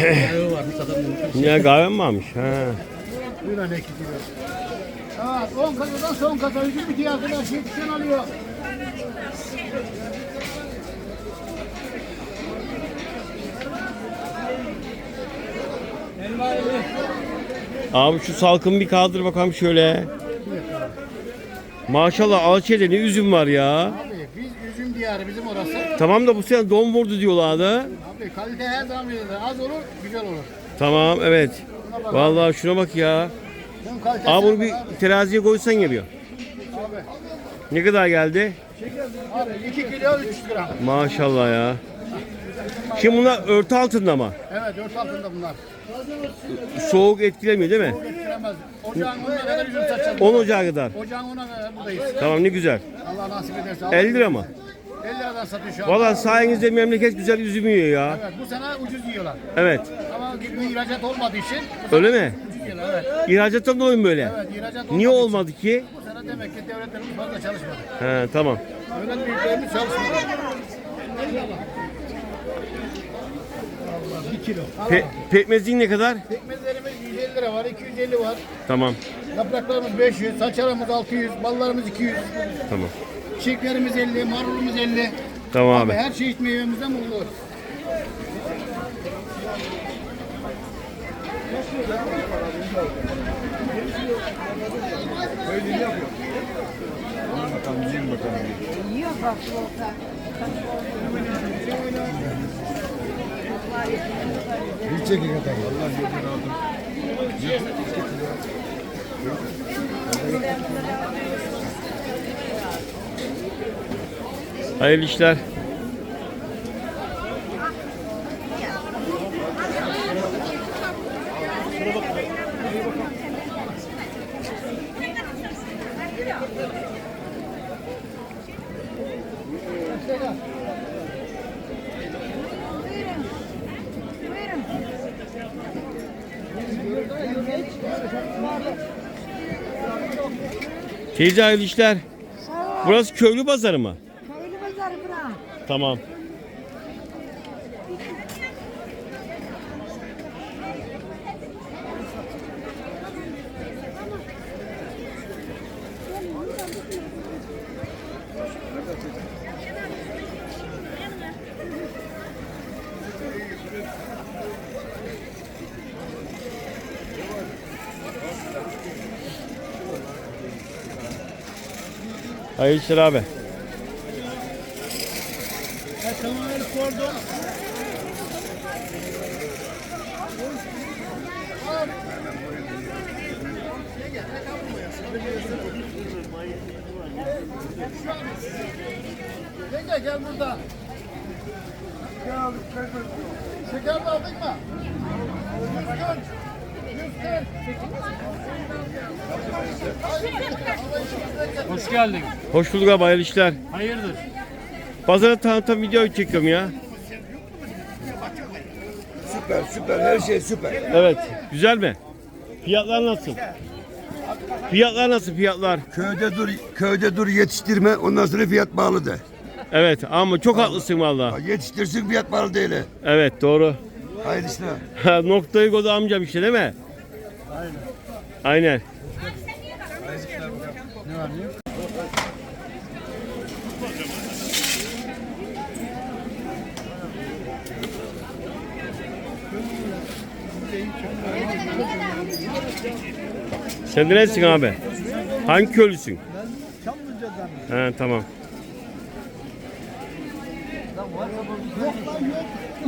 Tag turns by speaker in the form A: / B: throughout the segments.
A: Kahve varmış adam.
B: Ya kahve mi varmış? Ha.
A: Buyur anne 2 kilo. Ha 10 kasadan son kasa üzüm bitiyor arkadaş. Yetişen alıyor.
B: Abi şu salkımı bir kaldır bakalım şöyle. Maşallah Alçı'da ne üzüm var ya.
A: Abi biz üzüm diyarı bizim orası.
B: Tamam da bu sene don vurdu diyorlardı.
A: Abi kalite her zaman verir. Az olur, güzel olur.
B: Tamam evet. Vallahi şuna bak ya.
A: Bunun kalitesi
B: Abi bunu
A: var
B: bir
A: abi.
B: teraziye koysan geliyor.
A: Abi.
B: Ne kadar geldi?
A: Abi 2 kilo 300 gram.
B: Maşallah ya. Şimdi bunlar örtü altında mı?
A: Evet 4 altında bunlar.
B: Soğuk etkilemiyor değil mi?
A: Getiremez. Ocağın 10'una kadar üzüm satacağız.
B: 10 Ocağı kadar.
A: Ocağın 10'una kadar buradayız.
B: Tamam ne güzel.
A: Allah nasip ederse.
B: 50 lira mı?
A: 50 liradan satıyor şu an.
B: Valla sayenizde memleket güzel üzüm yiyor ya.
A: Evet bu sene ucuz yiyorlar.
B: Evet.
A: Ama bu ihracat olmadığı için bu
B: Öyle
A: sene
B: mi?
A: ucuz yiyorlar evet.
B: İhracattan dolayı mı böyle?
A: Evet ihracat olmadığı
B: Niye
A: için
B: olmadı ki?
A: bu sene demek ki devletlerimiz fazla çalışmadı.
B: He tamam.
A: Öyle büyüklerimiz çalışmadı. 1 kilo.
B: Pekmezin ne kadar?
A: Pekmezlerimiz 150 lira var, 250 var.
B: Tamam.
A: Yapraklarımız 500, saçalarımız 600, ballarımız 200.
B: Tamam.
A: Çiçeklerimiz 50, marulumuz 50.
B: Tamam abi.
A: Her çeşit meyvemizden bulunuyor.
C: Yiyor bak orta.
A: Bir çekin kadar. Allah yolunu aldım.
B: Hayırlı işler. Teyze hayırlı işler. Burası köylü pazarı mı?
C: Köylü pazarı bura.
B: Tamam. Hayırlı işler abi.
A: Yenge gel burada. Şeker de aldık mı? 140.
D: Hoş geldin.
B: Hoş bulduk abi hayırlı işler.
D: Hayırdır?
B: Pazara tanıtan video çekiyorum ya.
E: Süper süper her şey süper.
B: Evet. Güzel mi? Fiyatlar nasıl? Fiyatlar nasıl fiyatlar?
E: Köyde dur yetiştirme ondan sonra fiyat bağlı de.
B: Evet ama çok haklısın valla.
E: Yetiştirsin fiyat bağlı değil.
B: Evet doğru.
E: Hayırlı işler.
B: Noktayı koydu amcam işte değil mi? Aynen. Aynen.
A: Ne var ne?
B: Sen de nesin abi? Hangi köylüsün?
A: Ben Çamlıca'dan.
B: He tamam.
A: Yok lan yok.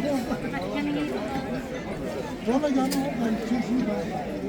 A: Sonra geldim oradan çeşit var.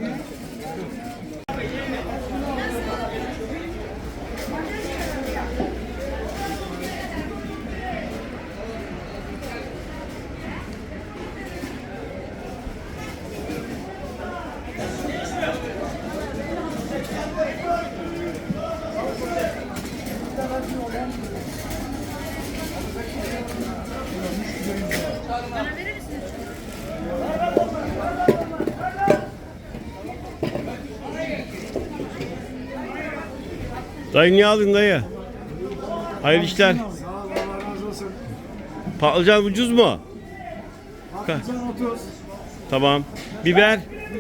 B: Dayı niye aldın dayı? Hayırlı işler. Patlıcan ucuz mu?
A: Patlıcan 30,
B: Tamam. Biber.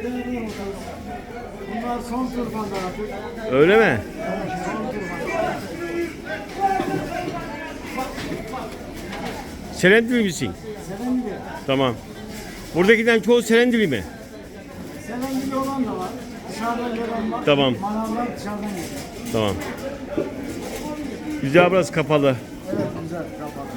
A: Bunlar son turbanlar artık.
B: Öyle mi?
A: Son turbanlar.
B: Serendili misin?
A: Serendili.
B: Tamam. Buradakilerin çoğu Serendili mi?
A: Serendili olan da var. Dışarıdan gelen var.
B: Tamam.
A: Manavlar dışarıdan geliyor.
B: Tamam. Güzel, burası kapalı.
A: Evet güzel kapalı.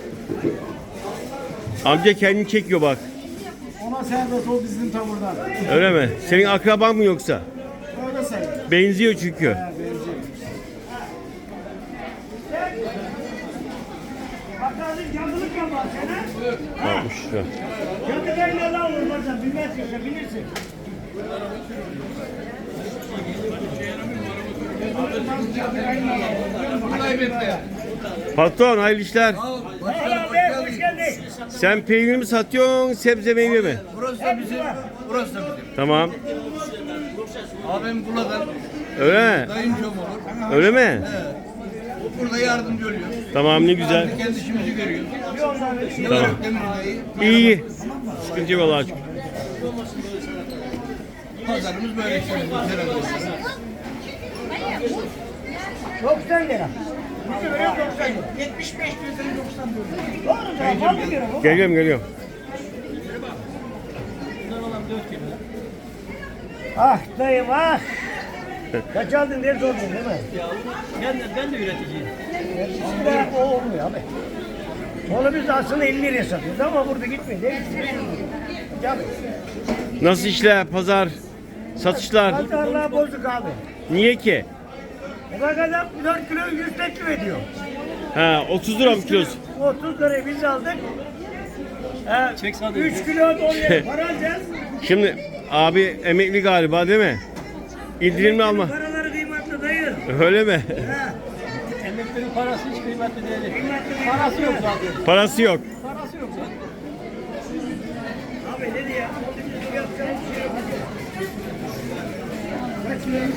B: Amca kendini çekiyor bak.
A: Ona serbest ol bizim tavırdan.
B: Öyle mi? Senin akraban mı yoksa?
A: Öyle serbest.
B: Benziyor çünkü.
A: Ha, benziyor.
B: 60 lira.
A: Kendilerine lan vurmacan bilmezsin sen bilirsin.
B: Patron hayırlı işler. Sen peynir mi satıyorsun, sebze meyve mi?
D: Burası da bizim, burası da bizim.
B: Tamam.
D: Abim buradan
B: Öyle mi?
D: kayınçom olur.
B: Öyle mi?
D: Evet. O burada yardımcı oluyor.
B: Tamam, ne güzel.
D: Biz kendi işimizi görüyoruz. Ne
B: Tamam.
D: var Demir'deyi.
B: İyi. Sıkıntı yok Allah'a şükür.
D: Pazarımız böyle işte. Herhalde.
A: 90 lira. 75 lira 90 lira.
B: Geliyorum, geliyorum.
A: Ah dayım ah. Kaç aldın diye sordun değil mi?
D: Ben de üreticiyim.
A: O olmuyor abi. Onu biz aslında 50 liraya satıyoruz ama burada gitmiyor değil mi? Tabii.
B: Nasıl işler, pazar, satışlar?
A: Pazarlığa bozuk abi.
B: Niye ki?
A: O kadar 4 kilo 100 teklif ediyor.
B: Ha, 30 lira mı kilosu?
A: 30 lirayı biz aldık. 3 kilo dolayı para alacağız.
B: Şimdi abi emekli galiba değil mi? İndirimli alma.
A: Paraları kıymetli dayı.
B: Öyle mi?
D: Emeklerin parası hiç kıymetli değil.
A: Parası yok zaten.
B: Parası yok.
A: Parası yok zaten. Abi ne diyor? Yapacağımız şey yok. Kaç liraymış?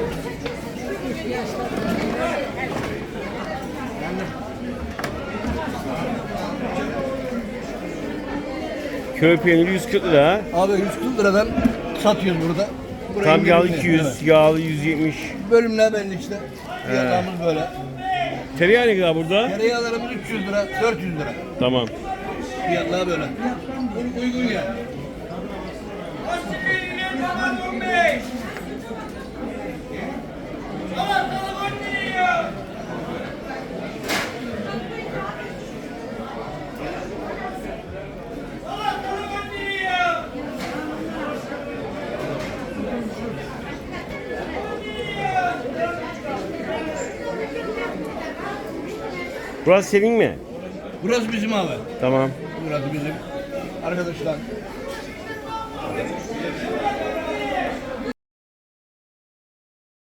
B: Köy peyniri 140 lira.
D: Abi 140 liradan satıyoruz burada. Buraya
B: Tam yağlı
D: indirimli.
B: 200,
D: Evet.
B: yağlı 170.
D: Bölümler belli işte. Fiyatlarımız böyle.
B: Tereyağı ne kadar burada?
D: Tereyağlarımız 300 lira, 400 lira.
B: Tamam.
D: Fiyatlar böyle. Uygun ya.
B: Burası senin mi?
D: Burası bizim abi.
B: Tamam.
D: Burası bizim. Arkadaşlar.